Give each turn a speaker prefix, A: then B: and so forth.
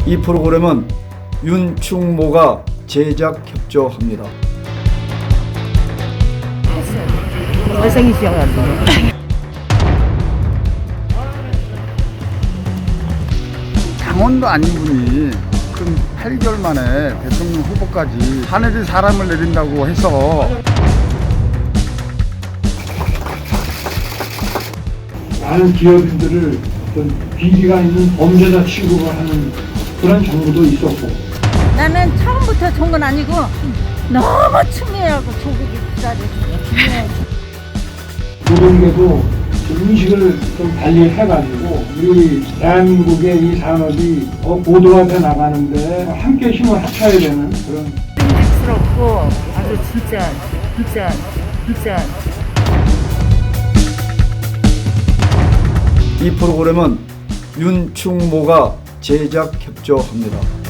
A: 이 프로그램은 윤충모가 제작 협조합니다.
B: 잘생기셔가지고.
C: 당원도 아닌 분이 그 8개월 만에 대통령 후보까지 하늘이 사람을 내린다고 해서
D: 많은 기업인들을 어떤 비리가 있는 범죄자 취급을 하는 그런 정부도 있었고,
B: 나는 처음부터 좋은 건 아니고 너무 충해하고 조국이 기다렸어요.
D: 노동계도 인식을 좀 달리 해가지고 우리 대한민국의 이 산업이 더 고도화돼 나가는데 함께 힘을 합쳐야 되는 그런
B: 힘들스럽고 아주 진짜
A: 이 프로그램은 윤충모가 제작 협조합니다.